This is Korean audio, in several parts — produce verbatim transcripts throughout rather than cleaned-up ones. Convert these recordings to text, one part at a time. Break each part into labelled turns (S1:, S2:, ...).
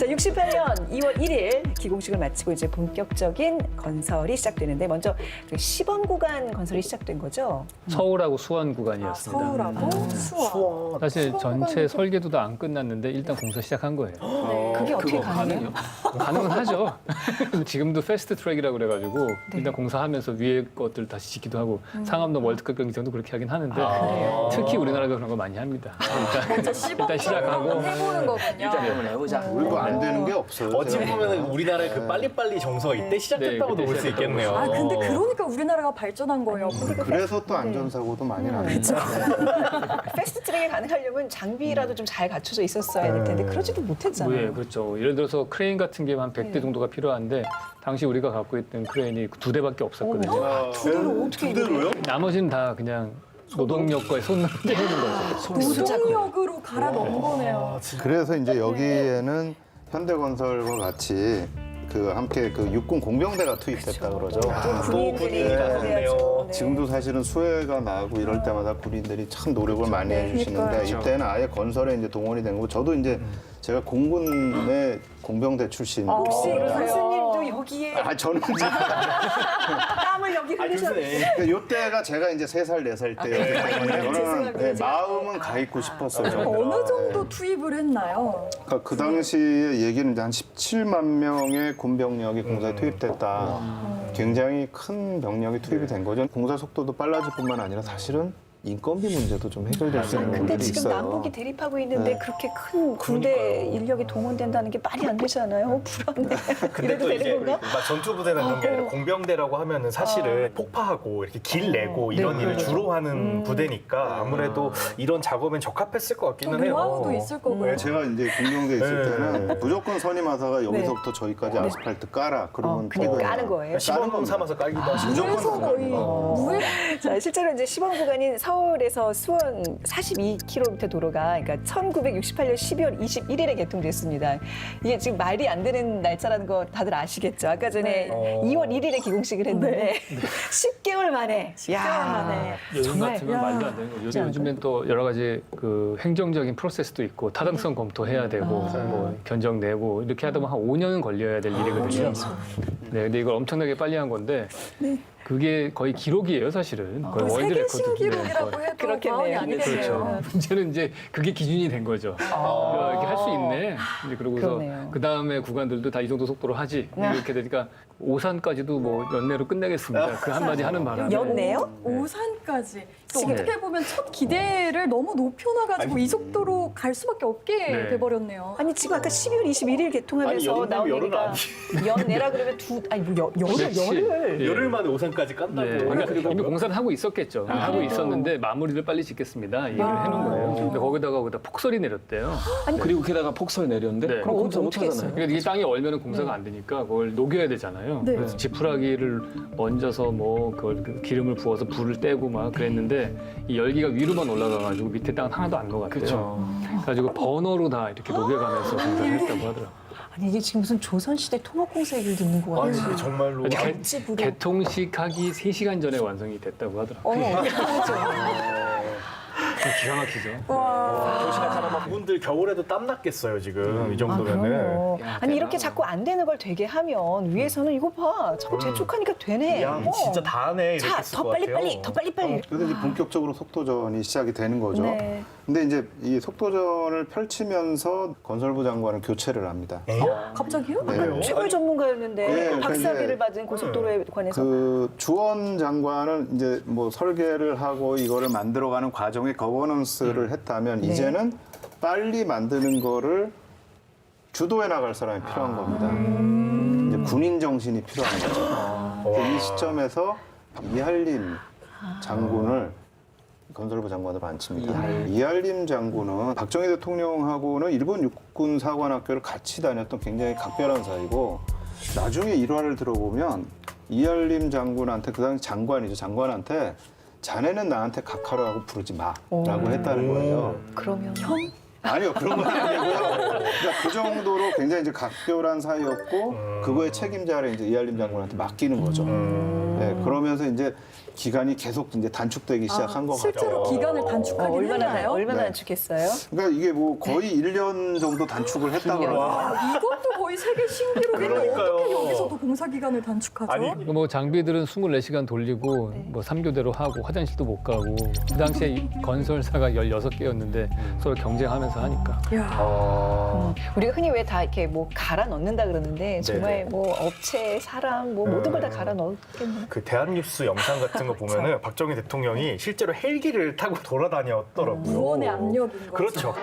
S1: 자, 육십팔 년 이월 일일 기공식을 마치고 이제 본격적인 건설이 시작되는데 먼저 그 시범 구간 건설이 시작된 거죠.
S2: 서울하고 수원
S3: 아,
S2: 구간이었습니다.
S3: 서울하고 수원.
S2: 사실
S3: 수원
S2: 전체
S3: 구간이
S2: 설계도 다 안 끝났는데 일단 공사 시작한 거예요.
S3: 네.
S1: 그게 어떻게 가능해요?
S2: 가능은 하죠. 지금도 패스트 트랙이라고 그래가지고 일단 공사하면서 위에 것들 다시 짓기도 하고 상암동 월드컵 경기장도 그렇게 하긴 하는데 특히 우리나라가 그런 거 많이 합니다. 일단,
S3: 먼저 시범
S2: 일단 시작하고
S3: 해보는 거군요.
S4: 일단 한번 해보자.
S5: 우리도 안 되는 게 없어요.
S6: 어찌
S5: 제가.
S6: 보면 우리나라의 그 빨리빨리 정서가 이때 시작됐다고도
S2: 네,
S6: 볼 수
S2: 그때
S6: 있겠네요.
S3: 아 근데 그러니까 우리나라가 발전한 거예요.
S5: 그래서 또 안전사고도 많이 납니다.
S1: 패스트 트랙에 가능하려면 장비라도 좀 잘 갖춰져 있었어야 될 텐데 그러지도 못했잖아요.
S2: 네, 그렇죠. 예를 들어서 크레인 같은 게 한 백 대 정도가 필요한데 당시 우리가 갖고 있던 크레인이 두 대밖에 없었거든요.
S5: 아,
S1: 두 대로 어떻게
S6: 두대로요?
S2: 나머지는 다 그냥 노동력과의 손으로 떼는 거죠.
S3: 노동력으로 갈아 넣은 거네요.
S5: 그래서 이제 여기에는 현대건설과 같이 그 함께 그 육군 공병대가 투입됐다 그러죠.
S6: 또 군인이
S1: 네,
S6: 나섰네요.
S1: 네.
S5: 지금도 사실은 수해가 나고 이럴 때마다 군인들이 참 노력을 많이 해주시는데 이때는 아예 건설에 이제 동원이 된 거고 저도 이제 제가 공군의 공병대 출신.
S1: 혹시
S3: 그러세요?
S1: 교수님도 여기에
S5: 아 저는 이제
S1: 땀을 여기 흘리셨는데
S6: 교수님.
S5: 요때가 제가 이제 세 살, 네 살 때였기 때문에 저는
S1: 죄송합니다.
S5: 네, 마음은 가 있고 싶었어요.
S3: 어느 정도 투입을 했나요?
S5: 그러니까 그 당시의 얘기는 이제 한 십칠만 명의 군병력이 공사에 투입됐다. 굉장히 큰 병력이 투입이 된 거죠. 공사 속도도 빨라질 뿐만 아니라 사실은 인건비 문제도 좀 해결될 수 있는
S1: 근데
S5: 부분들이
S1: 지금
S5: 있어요.
S1: 남북이 대립하고 있는데
S5: 네.
S1: 그렇게 큰 군대
S6: 그러니까요.
S1: 인력이 동원된다는 게 말이 안 되잖아요. 어, 불안해.
S6: 근데
S1: 이래도
S6: 또 이제
S1: 되는 건가?
S6: 막 전투부대나 그런 게 아니라 공병대라고 하면은 사실은 폭파하고 이렇게 길 내고 이런 일을 주로 하는 부대니까 아무래도 이런 작업엔 적합했을 것
S3: 또
S6: 같기는 해요.
S3: 노하우도 있을 거고요.
S5: 네, 제가 이제 공병대에 있을
S6: 네.
S5: 때는 무조건 선임하사가 여기서부터 저기까지 아스팔트 깔아. 그러면
S1: 어, 그냥
S5: 또
S1: 까는 거예요.
S6: 시범 삼아서 깔기도 하시고.
S3: 그래서 거의 무일
S1: 자, 실제로 이제 시범 구간인 서울에서 수원 사십이 킬로미터 도로가 그러니까 천구백육십팔 년 십이월 이십일일에 개통됐습니다. 이게 지금 말이 안 되는 날짜라는 거 다들 아시겠죠? 아까 전에
S6: 네.
S1: 이월 일일에 기공식을 했는데 십 개월 만에.
S3: 십 개월 만에.
S2: 요즘
S1: 정말,
S2: 같으면
S3: 야.
S2: 말도 안 되는 거죠. 요즘, 요즘엔 또 여러 가지 그 행정적인 프로세스도 있고 타당성 검토해야 되고 뭐 견적 내고 이렇게 하다 보면 한 오 년은 걸려야 될 일이거든요. 네, 근데 이걸 엄청나게 빨리 한 건데 그게 거의 기록이에요, 사실은. 거의 월드
S3: 세계
S2: 레코드
S3: 신기록이라고
S2: 거의.
S3: 해도
S1: 그렇겠네요.
S3: 과언이 아니겠네요.
S2: 그렇죠. 문제는 이제 그게 기준이 된 거죠. 야, 이렇게 할 수 있네. 이제 그러고서
S1: 그러네요.
S2: 그 다음에 구간들도 다 이 정도 속도로 하지. 이렇게 되니까 오산까지도 뭐 연내로 끝내겠습니다. 그 한마디 하는 바람에.
S1: 연내요?
S3: 오산까지. 또
S2: 지금-
S3: 어떻게 보면 첫 기대를 너무 높여놔가지고 이 속도로 갈 수밖에 없게
S2: 네.
S3: 돼버렸네요.
S1: 아니 지금 아까 십이월 이십일일 개통하면서
S6: 아니, 여름
S1: 나온
S6: 열은
S1: 얘기가 연내라 그러면 두 아니 뭐 여, 열을
S2: 그렇지.
S1: 열을
S2: 예.
S6: 열흘 만에 오산까지 깐다고.
S2: 예, 그러니까 이미 공사를 하고 있었겠죠. 하고 있었는데 마무리를 빨리 짓겠습니다. 이 얘기를 해놓은 거예요. 근데 거기다가 거기다 폭설이 내렸대요.
S4: 그리고 게다가 폭설 내렸는데
S2: 네.
S4: 그럼 공사 못
S1: 어떻게
S4: 하잖아요.
S2: 그러니까 이게 땅이 얼면 공사가 안 되니까 그걸 녹여야 되잖아요.
S3: 네.
S2: 그래서 지푸라기를 얹어서 뭐 그걸 그 기름을 부어서 불을 떼고 막 그랬는데 이 열기가 위로만 올라가가지고 밑에 땅은 하나도 안 녹았대요.
S4: 그렇죠.
S2: 그래가지고 버너로 다 이렇게 녹여가면서 공사를 했다고 하더라고요.
S1: 아니 이게 지금 무슨 조선시대 통합공사 얘기를 듣는 거
S6: 아니
S1: 같아요.
S6: 정말로.
S2: 아니, 개-
S1: 어찌부려.
S2: 개통식 하기 세 시간 전에 완성이 됐다고 하더라고요.
S1: 어,
S2: 기가 막히죠.
S6: 조심한 사람 분들 겨울에도 땀 났겠어요 지금 이
S1: 아,
S6: 정도면은.
S1: 그럼요.
S2: 야,
S1: 아니 이렇게
S2: 대단하다.
S1: 자꾸 안 되는 걸 되게 하면 위에서는 이거 봐, 자꾸 재촉하니까 되네.
S6: 야
S1: 어.
S6: 진짜 다 하네 이렇게
S1: 자,
S6: 했을
S1: 더
S6: 것
S1: 빨리
S6: 같아요.
S1: 빨리, 더 빨리 빨리.
S5: 그래서 이제 본격적으로 속도전이 시작이 되는 거죠.
S1: 네.
S5: 근데 이제 이 속도전을 펼치면서 건설부 장관은 교체를 합니다.
S6: 에이,
S3: 갑자기요?
S5: 네.
S1: 최고의 전문가였는데
S5: 네,
S1: 박사비를
S5: 근데-
S1: 받은 고속도로에 관해서
S5: 그 주원 장관은 이제 뭐 설계를 하고 이거를 만들어가는 과정에 거버넌스를 했다면
S1: 네.
S5: 이제는 빨리 만드는 거를 주도해 나갈 사람이 필요한 겁니다. 이제 군인 정신이 필요한 거죠. 그래서 이 시점에서 이할림 장군을 건설부 장관으로 앉힙니다. 이할림 장군은 박정희 대통령하고는 일본 육군 사관학교를 같이 다녔던 굉장히 각별한 사이고 나중에 일화를 들어보면 이할림 장군한테 그 당시 장관이죠. 장관한테 자네는 나한테 각하라고 부르지 마라고 했다는 거예요.
S1: 그러면
S3: 형?
S5: 아니요, 그런 건 아니고요. 그러니까 그 정도로 굉장히 이제 각별한 사이였고 그거의 책임자를 이제 이할림 장군한테 맡기는 거죠. 네, 그러면서 이제 기간이 계속 이제 단축되기 시작한 것 같아요.
S3: 실제로 기간을
S1: 어,
S3: 단축하긴
S1: 얼마나
S3: 했나요?
S1: 얼마나
S5: 네.
S1: 단축했어요?
S5: 그러니까 이게 뭐 거의 일 년 정도 단축을 했다고 그러더라고요.
S3: 아, 이것도 거의 세계 신기록인데
S6: 그러니까요.
S3: 어떻게 여기서도 공사 기간을 단축하죠?
S6: 아니,
S2: 뭐 장비들은 이십사 시간 돌리고
S1: 네.
S2: 뭐 삼 교대로 하고 화장실도 못 가고 그 당시에 이 건설사가 열여섯 개였는데 서로 경쟁하면서 하니까
S3: 야.
S6: 어...
S1: 우리가 흔히 왜 다 이렇게 뭐 갈아 넣는다 그러는데 정말
S6: 네네.
S1: 뭐 업체, 사람, 뭐 모든 걸 다
S6: 음.
S1: 갈아 넣었겠네.
S6: 그 대한뉴스 영상 같은 거 보면은 박정희 대통령이 실제로 헬기를 타고 돌아다녔더라고요.
S3: 무언의 압력인 거죠.
S6: 그렇죠.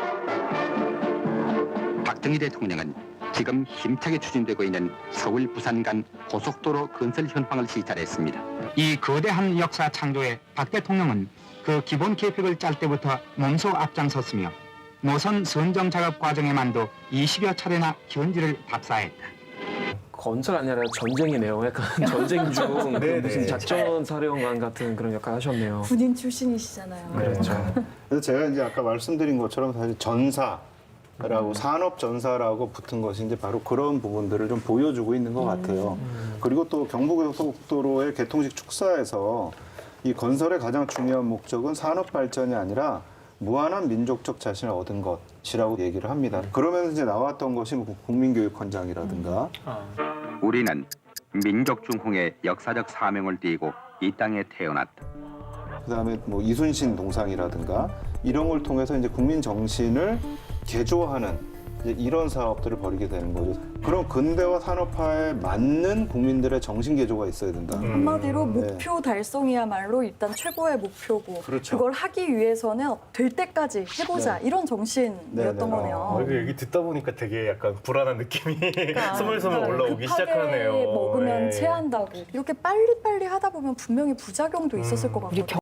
S7: 박정희 대통령은 지금 힘차게 추진되고 있는 서울 부산 간 고속도로 건설 현황을 시찰했습니다. 이 거대한 역사 창조에 박 대통령은 그 기본 계획을 짤 때부터 몸소 앞장섰으며 노선 선정 작업 과정에만도 이십여 차례나 현지를 답사했다.
S4: 건설 아니라 전쟁이네요. 약간 전쟁 중 그
S6: 네네.
S4: 무슨 작전 사령관 같은 그런 역할 하셨네요.
S3: 군인 출신이시잖아요.
S6: 그렇죠.
S5: 그래서 제가 이제 아까 말씀드린 것처럼 사실 전사라고 산업 전사라고 붙은 것이 이제 바로 그런 부분들을 좀 보여주고 있는 것 같아요. 그리고 또 경부고속도로의 개통식 축사에서 이 건설의 가장 중요한 목적은 산업 발전이 아니라 무한한 민족적 자신을 얻은 것이라고 얘기를 합니다. 그러면서 이제 나왔던 것이 뭐 국민교육헌장이라든가
S7: 우리는 민족 중흥의 역사적 사명을 띠고 이 땅에 태어났다.
S5: 그다음에 뭐 이순신 동상이라든가 이런 걸 통해서 이제 국민 정신을 개조하는 이제 이런 사업들을 벌이게 되는 거죠. 그런 근대화 산업화에 맞는 국민들의 정신 개조가 있어야 된다.
S6: 음.
S3: 한마디로 목표 달성이야말로 일단 최고의 목표고
S5: 그렇죠.
S3: 걸 하기 위해서는 될 때까지 해보자 이런 정신이었던
S5: 네, 네.
S3: 거네요.
S6: 어, 이거 얘기 듣다 보니까 되게 약간 불안한 느낌이 스물스물
S3: 그러니까
S6: 올라오기
S3: 급하게
S6: 시작하네요.
S3: 먹으면
S6: 네.
S3: 체한다고 이렇게 빨리빨리 하다 보면 분명히 부작용도 있었을 것
S1: 우리
S3: 같거든요.